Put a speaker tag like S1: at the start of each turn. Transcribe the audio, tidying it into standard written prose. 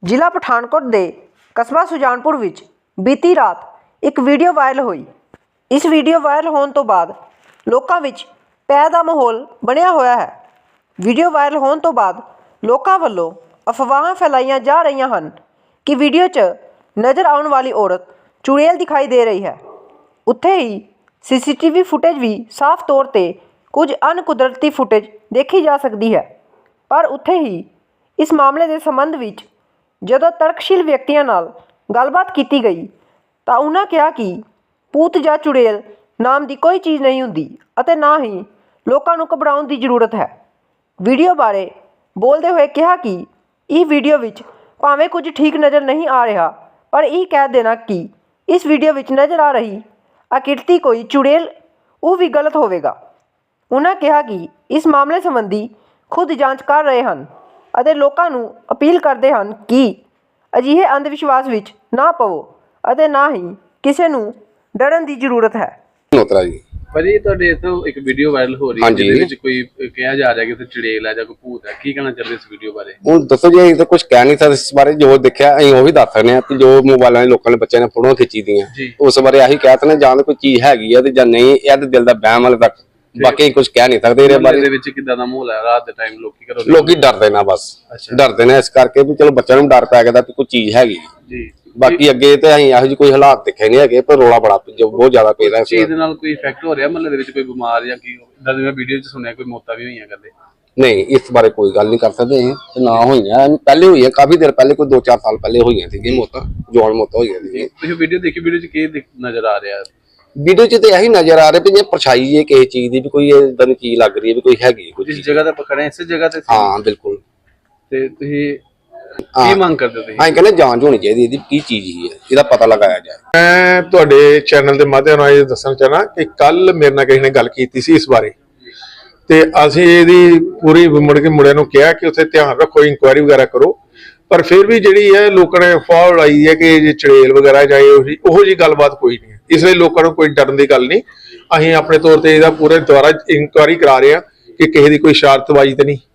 S1: ਜ਼ਿਲ੍ਹਾ ਪਠਾਨਕੋਟ ਦੇ ਕਸਬਾ ਸੁਜਾਨਪੁਰ ਵਿੱਚ ਬੀਤੀ ਰਾਤ ਇੱਕ ਵੀਡੀਓ ਵਾਇਰਲ ਹੋਈ। ਇਸ ਵੀਡੀਓ ਵਾਇਰਲ ਹੋਣ ਤੋਂ ਬਾਅਦ ਲੋਕਾਂ ਵਿੱਚ ਭੈ ਦਾ ਮਾਹੌਲ ਬਣਿਆ ਹੋਇਆ ਹੈ। ਵੀਡੀਓ ਵਾਇਰਲ ਹੋਣ ਤੋਂ ਬਾਅਦ ਲੋਕਾਂ ਵੱਲੋਂ ਅਫਵਾਹਾਂ ਫੈਲਾਈਆਂ ਜਾ ਰਹੀਆਂ ਹਨ ਕਿ ਵੀਡੀਓ 'ਚ ਨਜ਼ਰ ਆਉਣ ਵਾਲੀ ਔਰਤ ਚੁੜੇਲ ਦਿਖਾਈ ਦੇ ਰਹੀ ਹੈ। ਉੱਥੇ ਹੀ CCTV ਫੁਟੇਜ ਵੀ ਸਾਫ਼ ਤੌਰ 'ਤੇ ਕੁਝ ਅਣਕੁਦਰਤੀ ਫੁਟੇਜ ਦੇਖੀ ਜਾ ਸਕਦੀ ਹੈ। ਪਰ ਉੱਥੇ ਹੀ ਇਸ ਮਾਮਲੇ ਦੇ ਸੰਬੰਧ ਵਿੱਚ ਜਦੋਂ ਤਰਕਸ਼ੀਲ ਵਿਅਕਤੀਆਂ ਨਾਲ ਗੱਲਬਾਤ ਕੀਤੀ ਗਈ ਤਾਂ ਉਹਨਾਂ ਕਿਹਾ ਕਿ ਭੂਤ ਜਾਂ ਚੁੜੇਲ ਨਾਮ ਦੀ ਕੋਈ ਚੀਜ਼ ਨਹੀਂ ਹੁੰਦੀ ਅਤੇ ਨਾ ਹੀ ਲੋਕਾਂ ਨੂੰ ਘਬਰਾਉਣ ਦੀ ਜ਼ਰੂਰਤ ਹੈ। ਵੀਡੀਓ ਬਾਰੇ ਬੋਲਦੇ ਹੋਏ ਕਿਹਾ ਕਿ ਇਹ ਵੀਡੀਓ ਵਿੱਚ ਭਾਵੇਂ ਕੁਝ ਠੀਕ ਨਜ਼ਰ ਨਹੀਂ ਆ ਰਿਹਾ, ਪਰ ਇਹ ਕਹਿ ਦੇਣਾ ਕਿ ਇਸ ਵੀਡੀਓ ਵਿੱਚ ਨਜ਼ਰ ਆ ਰਹੀ ਆਕ੍ਰਿਤੀ ਕੋਈ ਚੁੜੇਲ ਉਹ ਵੀ ਗਲਤ ਹੋਵੇਗਾ। ਉਹਨਾਂ ਕਿਹਾ ਕਿ ਇਸ ਮਾਮਲੇ ਸੰਬੰਧੀ ਖੁਦ ਜਾਂਚ ਕਰ ਰਹੇ ਹਨ ਅਤੇ ਲੋਕਾਂ ਨੂੰ ਅਪੀਲ ਕਰਦੇ ਹਨ ਕਿ ਅਜਿਹੇ ਅੰਧ ਵਿਸ਼ਵਾਸ ਵਿੱਚ ਨਾ ਪਵੋ ਅਤੇ ਨਾ ਹੀ ਕਿਸੇ ਨੂੰ ਡਰਨ ਦੀ ਜ਼ਰੂਰਤ ਹੈ।
S2: ਨੋਤਰਾ ਜੀ
S3: ਭਾਜੀ ਤੁਹਾਡੇ ਇੱਥੋਂ ਇੱਕ ਵੀਡੀਓ ਵਾਇਰਲ ਹੋ ਰਹੀ ਹੈ ਜਿਹਦੇ ਵਿੱਚ ਕੋਈ ਕਿਹਾ ਜਾ ਰਿਹਾ ਕਿ ਉੱਥੇ ਚੁੜੇਲ ਹੈ ਜਾਂ ਕੋਈ ਭੂਤ ਹੈ, ਕੀ ਕਹਿਣਾ ਚਾਹੁੰਦੇ ਇਸ ਵੀਡੀਓ ਬਾਰੇ?
S2: ਹੁਣ ਦੱਸੋ ਜੀ, ਅਸੀਂ ਤਾਂ ਕੁਝ ਕਹਿ ਨਹੀਂ ਸਕਦੇ ਇਸ ਬਾਰੇ। ਜੋ ਦੇਖਿਆ ਅਸੀਂ ਉਹੀ ਦੱਸ ਸਕਦੇ ਹਾਂ ਕਿ ਜੋ ਮੋਬਾਈਲਾਂ 'ਚ ਲੋਕਾਂ ਨੇ ਬੱਚਿਆਂ ਨੇ ਫੋਟੋਆਂ ਖਿੱਚੀ ਦੀਆਂ ਉਸ ਬਾਰੇ ਆਹੀ ਕਹਿ ਸਕਦੇ ਜਾਂ ਤਾਂ ਕੋਈ ਚੀਜ਼ ਹੈਗੀ ਆ ਤੇ ਜਾਂ ਨਹੀਂ। ਇਹ ਤਾਂ ਦਿਲ ਦਾ ਵਹਿਮ ਵਾਲੇ ਤੱਕ, ਬਾਕੀ ਕੁਝ ਕਹਿ ਨਹੀਂ ਸਕਦੇ ਇਹਦੇ ਬਾਰੇ।
S3: ਦੇ ਵਿੱਚ ਕਿੱਦਾਂ ਦਾ ਮਾਹੌਲ ਹੈ ਰਾਤ ਦੇ ਟਾਈਮ?
S2: ਲੋਕੀ ਡਰਦੇ ਨਾ, ਬਸ ਡਰਦੇ ਨੇ ਇਸ ਕਰਕੇ ਵੀ ਚਲੋ ਬੱਚਿਆਂ ਨੂੰ ਡਰ ਪੈ ਗਿਆ ਕਿ ਕੋਈ ਚੀਜ਼ ਹੈਗੀ ਜੀ। ਬਾਕੀ ਅੱਗੇ ਤੇ ਅਸੀਂ ਇਹੋ ਜਿਹੇ ਕੋਈ ਹਾਲਾਤ ਦੇਖੇ ਨਹੀਂ ਹੈਗੇ, ਪਰ ਰੋਲਾ ਬੜਾ ਬਹੁਤ ਜ਼ਿਆਦਾ ਪੈ ਰਿਹਾ।
S3: ਚੀਜ਼ ਦੇ ਨਾਲ ਕੋਈ ਇਫੈਕਟ ਹੋ ਰਿਹਾ ਮਹੱਲੇ ਦੇ ਵਿੱਚ? ਕੋਈ ਬਿਮਾਰ ਜਾਂ ਕੀ ਇਦਾਂ ਦੀ ਮੈਂ ਵੀਡੀਓ 'ਚ ਸੁਣਿਆ ਕੋਈ ਮੌਤਾਂ ਵੀ ਹੋਈਆਂ ਕਰਦੇ?
S2: ਨਹੀਂ, ਇਸ ਬਾਰੇ ਕੋਈ ਗੱਲ ਨਹੀਂ ਕਰ ਸਕਦੇ ਤੇ ਨਾ ਹੋਈਆਂ। ਪਹਿਲੇ ਹੋਈਆਂ, ਕਾਫੀ ਦੇਰ ਪਹਿਲੇ, ਕੋਈ 2-4 ਸਾਲ ਪਹਿਲੇ ਹੋਈਆਂ ਸੀ ਮੌਤਾਂ, ਜਵਾਨ ਮੌਤਾਂ ਹੋਈਆਂ ਸੀ।
S3: ਤੁਸੀਂ ਵੀਡੀਓ ਦੇਖੀ, ਵੀਡੀਓ 'ਚ ਕੀ ਨਜ਼ਰ ਆ ਰਿਹਾ?
S2: ਵੀਡੀਓ 'ਚ ਤੇ ਇਹੀ ਨਜ਼ਰ ਆ ਰਿਹਾ ਵੀ ਜੇ ਪਰਛਾਈ ਹੈ ਕਿਸੇ ਚੀਜ਼ ਦੀ, ਵੀ ਕੋਈ ਇਦਾਂ ਦੀ ਚੀਜ਼ ਲੱਗ ਰਹੀ ਹੈ ਵੀ ਕੋਈ ਹੈਗੀ ਕੁਝ।
S3: ਜਿਸ ਜਗ੍ਹਾ ਤੇ ਪਕੜੇ ਇਸੇ ਜਗ੍ਹਾ ਤੇ?
S2: ਹਾਂ ਬਿਲਕੁਲ।
S3: ਤੇ ਤੁਸੀਂ ਕੀ ਮੰਗ ਕਰਦੇ ਹੋ?
S2: ਅਸੀਂ ਕਹਿੰਦੇ ਜਾਂਚ ਹੋਣੀ ਚਾਹੀਦੀ ਇਹਦੀ, ਕੀ ਚੀਜ਼ ਹੀ ਹੈ, ਇਹਦਾ ਪਤਾ ਲਗਾਇਆ ਜਾਏ।
S4: ਮੈਂ ਤੁਹਾਡੇ ਚੈਨਲ ਦੇ ਮਾਧਿਅਮ ਨਾਲ ਇਹ ਦੱਸਣਾ ਚਾਹਨਾ ਕਿ ਕੱਲ ਮੇਰੇ ਨਾਲ ਕਿਸੇ ਨੇ ਗੱਲ ਕੀਤੀ ਸੀ ਇਸ ਬਾਰੇ, ਤੇ ਅਸੀਂ ਇਹਦੀ ਪੂਰੀ ਮੁੜ ਕੇ ਮੁੰਡਿਆਂ ਨੂੰ ਕਿਹਾ ਕਿ ਉੱਥੇ ਧਿਆਨ ਰੱਖੋ, ਇਨਕੁਆਇਰੀ ਵਗੈਰਾ ਕਰੋ। ਪਰ ਫਿਰ ਵੀ ਜਿਹੜੀ ਹੈ ਲੋਕਾਂ ਨੇ ਅਫਵਾਹ ਉਡਾਈ ਹੈ ਕਿ ਜੇ ਚੜੇਲ ਵਗੈਰਾ ਜਾਂ ਉਹੋ ਜਿਹੀ ਗੱਲਬਾਤ ਕੋਈ ਨਹੀਂ ਹੈ। ਇਸ ਲਈ ਲੋਕਾਂ ਨੂੰ ਕੋਈ ਡਰਨ ਦੀ ਗੱਲ ਨਹੀਂ। ਅਸੀਂ ਆਪਣੇ ਤੌਰ ਤੇ ਇਹਦਾ ਪੂਰੇ ਦੁਆਰਾ ਇਨਕੁਆਇਰੀ ਕਰਾ ਰਹੇ ਹਾਂ ਕਿ ਕਿਸੇ ਦੀ ਕੋਈ ਸ਼ਰਾਰਤਬਾਜ਼ੀ ਤੇ ਨਹੀਂ।